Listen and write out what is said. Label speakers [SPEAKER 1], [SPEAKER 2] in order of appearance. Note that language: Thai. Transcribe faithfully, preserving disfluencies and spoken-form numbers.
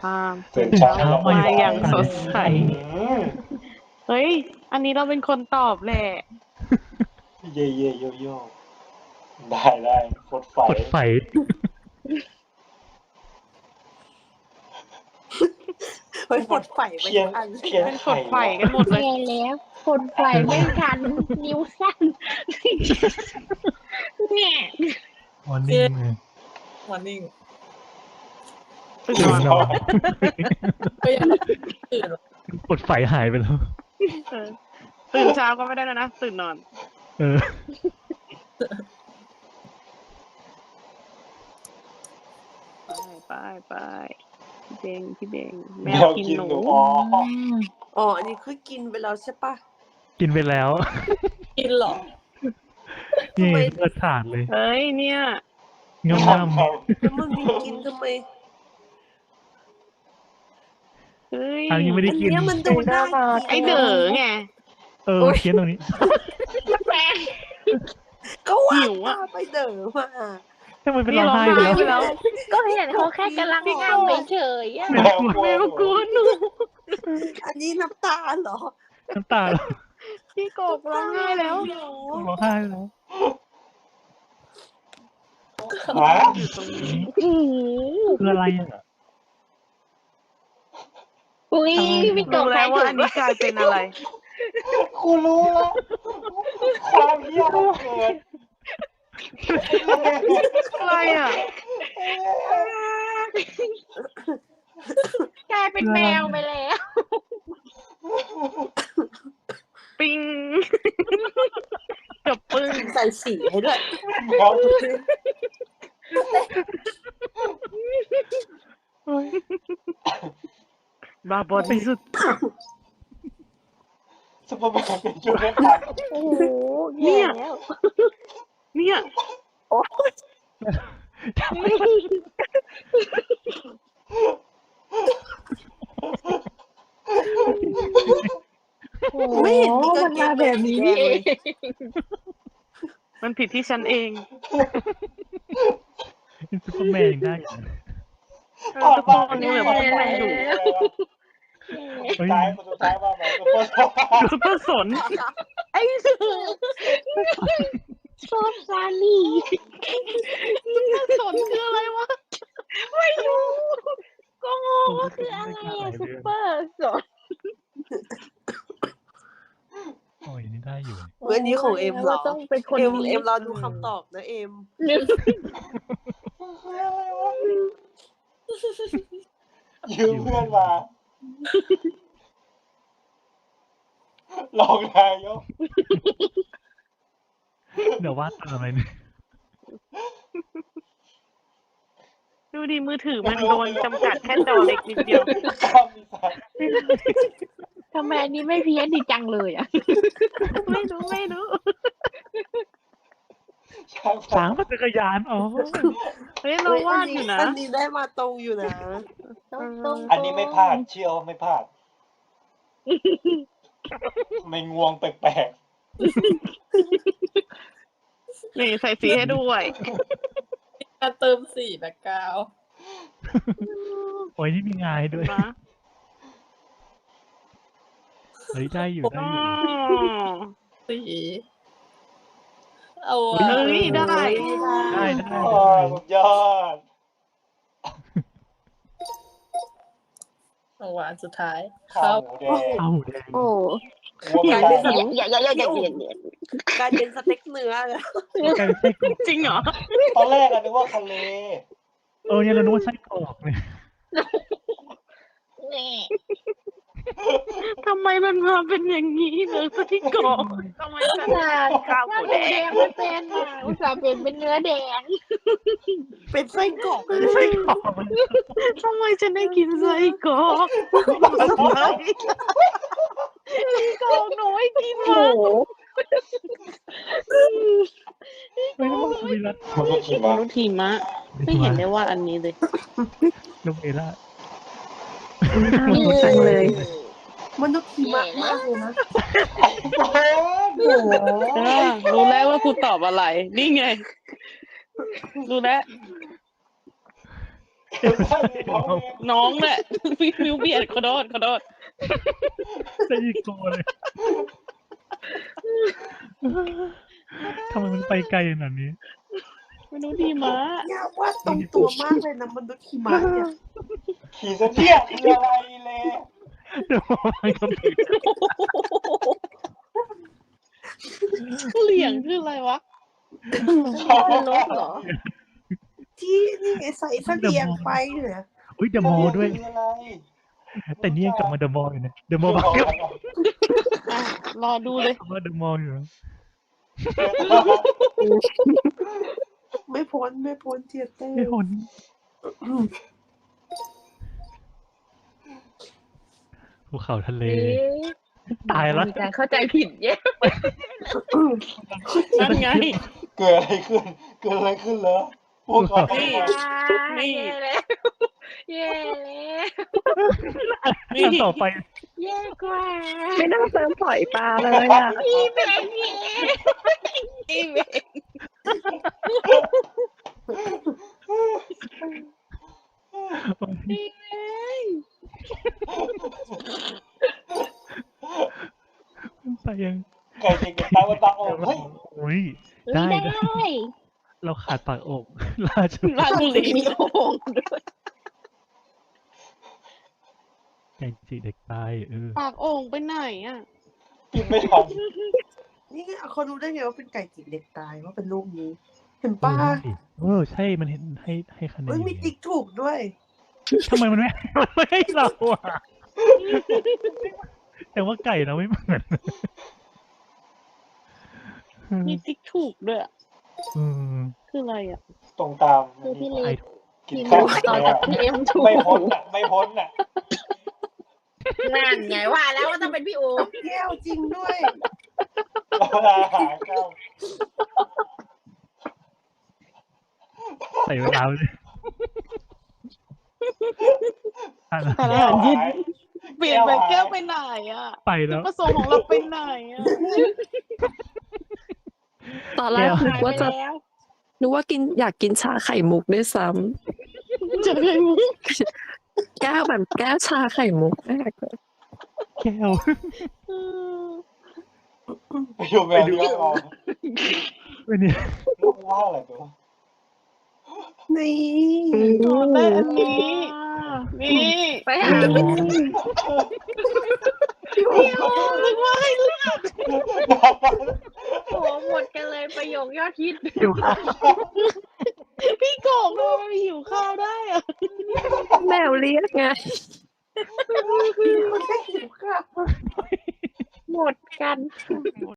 [SPEAKER 1] าม
[SPEAKER 2] ตื่
[SPEAKER 1] ตื่
[SPEAKER 2] น
[SPEAKER 1] น
[SPEAKER 2] เช้า
[SPEAKER 1] เช้า
[SPEAKER 2] มา
[SPEAKER 1] มา
[SPEAKER 2] อ
[SPEAKER 1] อย่
[SPEAKER 2] า
[SPEAKER 1] ย่าง ง
[SPEAKER 2] ส
[SPEAKER 1] ส
[SPEAKER 2] ด
[SPEAKER 1] ด
[SPEAKER 2] ใส
[SPEAKER 1] ใส เฮ้ย อันนี้เราเป็นคนตอบแหละ
[SPEAKER 2] เย่เย่โยโย่ได้ได้โคตรไฟ
[SPEAKER 3] กดไฟ
[SPEAKER 4] เฮ้ยกดไฟไป
[SPEAKER 2] เพี้ย
[SPEAKER 4] ทุ
[SPEAKER 2] น
[SPEAKER 4] กอัน
[SPEAKER 2] เพี้ยน
[SPEAKER 1] เป็น
[SPEAKER 2] ไข
[SPEAKER 1] กดไฟกันหมดเลย
[SPEAKER 5] แย่แล้วคนไฟไม่ทัน นิ้วสั้นเนี่ย
[SPEAKER 3] มอร์นิ่งเลย
[SPEAKER 4] มอร์นิ่ง
[SPEAKER 1] ตื่น
[SPEAKER 3] ตื่
[SPEAKER 1] น
[SPEAKER 3] น
[SPEAKER 1] อน
[SPEAKER 3] นอน
[SPEAKER 4] ก็ยังตื่น
[SPEAKER 3] กดไฟหายไปแล้ว
[SPEAKER 1] เออตื่นเช้าก็ไม่ได้แล้วนะ ตื่นนอน
[SPEAKER 3] เออ
[SPEAKER 1] ไปไปไปพี่เบงพี่เบงแม
[SPEAKER 2] แม
[SPEAKER 1] ว
[SPEAKER 2] ว
[SPEAKER 1] กิน
[SPEAKER 2] กิน
[SPEAKER 1] หนู
[SPEAKER 2] หนูอ๋อ
[SPEAKER 4] อ๋ออันนี้คือกินไปแล้วใช่ปะ
[SPEAKER 3] กินไปแล้ว
[SPEAKER 4] กินหรอ
[SPEAKER 3] นี่
[SPEAKER 4] ทำไม
[SPEAKER 3] เปิดถาดเลย
[SPEAKER 1] เฮ้ยเนี่ย
[SPEAKER 3] งาม
[SPEAKER 2] ครั
[SPEAKER 3] งา
[SPEAKER 2] บ
[SPEAKER 3] ม
[SPEAKER 2] ครับ
[SPEAKER 4] แล้วมึงมีกินทำไม
[SPEAKER 1] เฮ้ย
[SPEAKER 3] อันนี้ไม่ได้
[SPEAKER 4] อัน
[SPEAKER 3] กิน
[SPEAKER 4] เนี้ยมันดูน่ากิน
[SPEAKER 1] ไอเด๋อไง
[SPEAKER 3] เออเคี้ยนตรงนี้
[SPEAKER 5] แปลง
[SPEAKER 4] ก็ว่า
[SPEAKER 1] หิวอะ
[SPEAKER 4] ตาไปเด๋อมา
[SPEAKER 3] ทำไมเป็น
[SPEAKER 1] นี่
[SPEAKER 3] ร้อง
[SPEAKER 1] ร้อง
[SPEAKER 3] ไห้ไป
[SPEAKER 1] ไห้
[SPEAKER 3] แล้ว
[SPEAKER 1] ไปแล้ว
[SPEAKER 5] ก็เห็นเขาแค่กำลังงามไปเฉยๆอะ
[SPEAKER 2] แมวกลัว
[SPEAKER 1] แม
[SPEAKER 2] ห
[SPEAKER 1] ว
[SPEAKER 2] นู
[SPEAKER 1] กลัวหนู
[SPEAKER 4] อันนี้น้ำตาลเหรอ
[SPEAKER 3] น้ำตาแล้ว
[SPEAKER 1] พี่กบร้องไห้แล้ว
[SPEAKER 3] ร้องไห้แล้ว
[SPEAKER 2] ฮะ
[SPEAKER 1] อยู่ตรงนี้
[SPEAKER 5] อือ
[SPEAKER 3] คืออะไรอ่ะ
[SPEAKER 5] อุ้ยมีก
[SPEAKER 1] รู้
[SPEAKER 5] บ
[SPEAKER 1] แล้วว่าอันนี้กลายเป็นอะไร
[SPEAKER 2] กูรู้แล้วความเหี้ยมันเกิด
[SPEAKER 1] อะไรอ่ะ
[SPEAKER 5] กลายเป็นแมวไปแล้ว
[SPEAKER 1] ปิงจบปึ้ง
[SPEAKER 4] ใส่สีให้ด้วย
[SPEAKER 2] แมว
[SPEAKER 1] บาบอที่สุด
[SPEAKER 2] ซุปเปอร์แมนเป็นจุดได้ผ่าน
[SPEAKER 5] โอ้โห
[SPEAKER 1] เนี่
[SPEAKER 5] แย่
[SPEAKER 1] ย
[SPEAKER 5] แล้ว
[SPEAKER 1] เนี่ย
[SPEAKER 3] ทำไม
[SPEAKER 5] โอ้โห
[SPEAKER 4] ไม่เห็นมีกา
[SPEAKER 5] มั
[SPEAKER 4] ง
[SPEAKER 5] น
[SPEAKER 4] เก
[SPEAKER 5] มาง แบบนี้นี่เอง
[SPEAKER 1] มันผิดที่ฉันเอง
[SPEAKER 3] เป็นซุปเปอร์แมนยังได้อยู่นะ
[SPEAKER 1] เออทุกคนนี่แบบว่ามันอยู่
[SPEAKER 2] สุดท้ายคนสุดท้ายว่าแบบซุปเปอร์
[SPEAKER 1] ซุปเปอร์สน
[SPEAKER 5] ไอ้สือชอบซาลี่
[SPEAKER 1] สนคืออะไรวะ
[SPEAKER 5] ไม่รู้ ก็งงว่าคืออะไรอะซุปเปอร์สด
[SPEAKER 3] โอ้ยนี่ได้อยู่
[SPEAKER 4] เวันนี้ของเอ็มเหรอ
[SPEAKER 5] ต้องเป็นคน
[SPEAKER 4] เอ็ม
[SPEAKER 5] นี้
[SPEAKER 4] เอ็มรอดูคำตอบนะเอ็ม
[SPEAKER 2] ยืมเพื่อนมาลองนายก
[SPEAKER 3] เดี๋ยววาดตามอะไรเนี่ย
[SPEAKER 1] ดูดิมือถือมันโดนจำกัดแค่จอเล็กนิดเดียว
[SPEAKER 2] ข้ามมีสาย
[SPEAKER 5] ทำไมอันนี้ไม่เพี้ยนดีจังเลยอ่ะ
[SPEAKER 1] ไม่รู้ไม่รู้
[SPEAKER 2] ช้าง
[SPEAKER 3] ช้างปั่นจักรยานอ๋อ
[SPEAKER 1] เฮ้ยเราวาดอยู่นะ
[SPEAKER 4] อันนี้ได้มาตรงอยู่นะ
[SPEAKER 5] ต้องตรง
[SPEAKER 2] อันนี้ไม่พลาดเชื่อว่าไม่พลาด ไม่งวงแปลก
[SPEAKER 1] นี่ใส่สีให้ด้วย
[SPEAKER 4] การเติมสีแบ็คกราวด์
[SPEAKER 3] โอ้ยนี่มีงายด้วย
[SPEAKER 1] นะ
[SPEAKER 3] เฮ้ยได้อยู่ได้
[SPEAKER 1] อ๋อ
[SPEAKER 3] อยู่
[SPEAKER 4] สีเอา
[SPEAKER 1] เฮ้ยได้
[SPEAKER 3] ได้ได้
[SPEAKER 2] ๆ
[SPEAKER 3] ได้
[SPEAKER 2] โอ้ยสุดยอด
[SPEAKER 4] เอาหวานสุดท้าย
[SPEAKER 2] ข้าวหมูแดง
[SPEAKER 3] เอาหมูแดง
[SPEAKER 5] โอ้
[SPEAKER 2] วัวไม่ได้
[SPEAKER 5] อย่าอย่าอย่าอย่าอย่าอย่า
[SPEAKER 4] กลายเป็นสเต็กเนื้อเลย
[SPEAKER 3] กลายเป็นไส้กรอก
[SPEAKER 1] จริงเหรอ
[SPEAKER 2] ตอนแรกอะนึกว่าทะเล
[SPEAKER 3] เออเนี่ยเรานึกว่าไส้กรอกเนี่ย
[SPEAKER 5] นี่
[SPEAKER 1] ทำไมมันมาเป็นอย่างนี้เลยที่กรอกทำไมฉัน ข้าวหมูแดง
[SPEAKER 5] ไม่เป็นอ่ะอุตส่าห์เป็นเป็นเนื้อแดง
[SPEAKER 4] เป็นไส้กรอก
[SPEAKER 3] ไส้กรอกมัน
[SPEAKER 1] ทำไมฉันได้กินไส้กรอกไส้กรอกหนูไม่กิน
[SPEAKER 5] โอ้
[SPEAKER 1] มา
[SPEAKER 5] โห
[SPEAKER 3] ไม่ต้องมาคุยละ
[SPEAKER 2] มันก็คิด
[SPEAKER 1] ม
[SPEAKER 2] ว่า
[SPEAKER 1] นุษย์หิมะไม่เห็นได้ว่าอันนี้เลย
[SPEAKER 3] ลูกเอล่า
[SPEAKER 1] น่ารักจังเลย
[SPEAKER 4] มันต้องขีมากมากเลยนะ
[SPEAKER 2] โอ้โห
[SPEAKER 1] เออรู้แล้วว่าครูตอบอะไร นี่ไง รู้แล้ว
[SPEAKER 2] เอลซ่าอยู่ท้องเอง
[SPEAKER 1] น้องแหละพี่มิวเบียดขอโทษขอโทษ
[SPEAKER 3] จะอีกโกเลยทำไมมันไปไกลขนาดนี้
[SPEAKER 1] มนุษย์ดีม้า
[SPEAKER 4] อยากว่าตรงตัวมากเลยนะมนุษย์หิมะเนี่ย
[SPEAKER 2] ขี่เสเทียคืออะไรเลย
[SPEAKER 3] เดี๋ยวมันก็ผิด
[SPEAKER 1] เหลี่ยงคืออะไรวะ
[SPEAKER 5] รถเหรอ
[SPEAKER 4] ที่นี่ไงใส่เสลียงไปเนี่ย
[SPEAKER 3] อุ้ยเดอะมอลล์ด้วย
[SPEAKER 2] คืออะไร
[SPEAKER 3] แต่นี่ยังกลับมาเดอะมอลล์อยู่นะเดอะมอลล์
[SPEAKER 2] บ
[SPEAKER 3] มา
[SPEAKER 2] อก
[SPEAKER 3] เก็บ
[SPEAKER 2] แล้ว
[SPEAKER 1] อ่ะรอดูเลย
[SPEAKER 3] กลับมาเดอะมอลล์อยู่นะ
[SPEAKER 4] ไม่พ้นไม่พ้นเทียเต้
[SPEAKER 3] ไอ้คนภูเขาทะเล ตายแล้ว
[SPEAKER 5] มีการเข้าใจผิดเยอะ
[SPEAKER 1] นั่นไง
[SPEAKER 2] เกิดอะไรขึ้น เกิดอะไรขึ้นเหรอพวกเขา
[SPEAKER 1] นี่ นี่
[SPEAKER 5] เย่แล้วเย่แล้ว
[SPEAKER 1] นี่
[SPEAKER 3] อันต่อไป
[SPEAKER 5] เย่กว่า
[SPEAKER 6] ไม่น่าเติมปล่อยปลาเลยอ่ะ
[SPEAKER 5] พี่เบงเย่
[SPEAKER 1] นี่เอง นี่เอง
[SPEAKER 3] ไปยัง
[SPEAKER 2] ไก่จิกตายวันตาออกเฮ้ย
[SPEAKER 3] โอ้ย
[SPEAKER 5] ได้
[SPEAKER 3] ได้
[SPEAKER 5] ได้
[SPEAKER 3] ได้เราขาดปากอกราชบุรี
[SPEAKER 1] ราชบุรีมีโอ่งด้วย
[SPEAKER 3] ไก่จีเด็กตายเออ
[SPEAKER 1] ปากโอ่งไปไหนอ่ะ
[SPEAKER 2] กินไม่ทัน
[SPEAKER 4] นี่ไงเขารู้ได้ไงว่าเป็นไก่จิกเด็กตายว่าเป็นลูกนี้ เห็นป้า
[SPEAKER 3] เออใช่มันเห็นให้ให้คะแนน
[SPEAKER 4] เอ้ยมีติ๊กถูกด้วย
[SPEAKER 3] ทำไมมันไม่มันไม่ให้เราอ่ะแต่ว่าไก่เราไม่เหมือน
[SPEAKER 1] มีติ๊กถูกด้วยอะ
[SPEAKER 3] อืม
[SPEAKER 1] คืออะไรอ่ะ
[SPEAKER 2] ตรงตาม
[SPEAKER 5] คือพี่เล็
[SPEAKER 3] ไอ้
[SPEAKER 5] ก
[SPEAKER 2] กิน
[SPEAKER 5] พี่
[SPEAKER 2] ข้าว
[SPEAKER 5] ลูกต่อจากพี่เอ็มถูก
[SPEAKER 2] ไม่พ้นอ่ะ ไม่พ้นอ่ะ
[SPEAKER 5] นั่นไงว่าแล้วว่าต้องเป็นพี่อู
[SPEAKER 4] แก้วจริงด้วย
[SPEAKER 2] เราหาข้าว
[SPEAKER 3] ใส่เวลาเลยอ่ะ
[SPEAKER 1] ทานอาหารเย็นเปลี่ยนไปแก้วไปไหนอ่ะ
[SPEAKER 3] ไป
[SPEAKER 1] จุ
[SPEAKER 3] แล้
[SPEAKER 1] ด
[SPEAKER 3] ว
[SPEAKER 1] ประสงค์ของเราไปไหนอ่ะ
[SPEAKER 6] ตอนแรกนึกว่าจะ
[SPEAKER 5] แล้ว
[SPEAKER 6] นึกว่ากินอยากกินชาไข่มุกด้วยซ้
[SPEAKER 1] จะเคยมุก
[SPEAKER 6] ำแก้วแบบแก้วชาไข่มุกแรกเลย
[SPEAKER 3] แก้ว
[SPEAKER 2] ไปดูแมวเลี้ยงเรา
[SPEAKER 3] เป็นเนี่ย
[SPEAKER 2] ลูกว่าอะไรตัว
[SPEAKER 4] นี่
[SPEAKER 1] ตอนแรกอันนี้ นี่
[SPEAKER 5] ไปหา
[SPEAKER 1] นึกว่าให้เลือก
[SPEAKER 5] โหหมดกันเลยประโยคยอดฮิต
[SPEAKER 3] เดี๋ยวค่ะ
[SPEAKER 1] พี่โกงทำไมมันหิวข้าวได้อ่ะ
[SPEAKER 6] แมวเรียกไง
[SPEAKER 4] มันแค่หิวข้าว
[SPEAKER 5] หมดกัน